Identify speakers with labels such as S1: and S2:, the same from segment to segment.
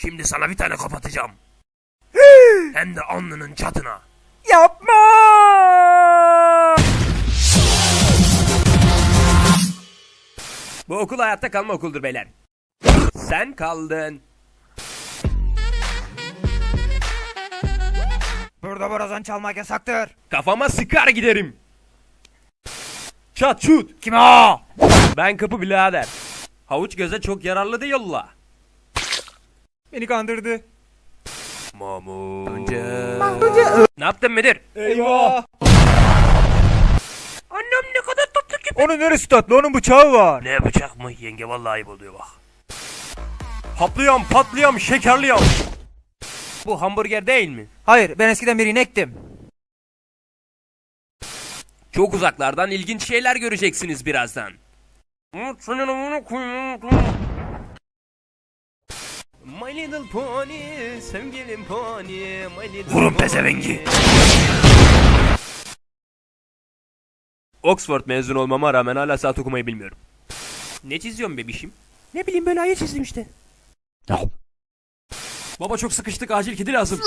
S1: Şimdi sana bir tane kapatacağım. Hem de alnının çatına.
S2: Yapma!
S1: Bu okul hayatta kalma okuldur beyler. Sen kaldın.
S2: Burada borazan çalmak yasaktır.
S1: Kafama sıkar giderim. Çat şut.
S2: Kim o?
S1: Ben kapı birader. Havuç göze çok yararlı değil yolla.
S2: Beni kandırdı.
S1: Mahmut. Ne yaptın müdür?
S2: Eyvah!
S1: Annem ne kadar tatlı ki.
S2: Onun neresi tatlı? Onun bıçağı var.
S1: Ne bıçak mı yenge, vallahi ayıp oluyor bak. Haplıyorum, patlıyorum, şekerliyorum. Bu hamburger değil mi?
S2: Hayır, ben eskiden bir inektim.
S1: Çok uzaklardan ilginç şeyler göreceksiniz birazdan. My little pony, sevgilim pony, my little Vurun pezevengi. Oxford mezun olmama rağmen hala saat okumayı bilmiyorum. Ne çiziyorsun bebişim? Ne bileyim, böyle ayı çizdim işte. Baba çok sıkıştık, acil kedi lazım.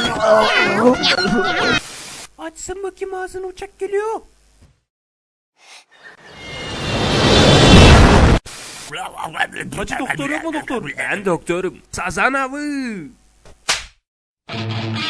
S1: Açsın bakayım ağzını, uçak geliyor. Hacı doktor yok mu doktor? Ben doktorum. Sazan avı.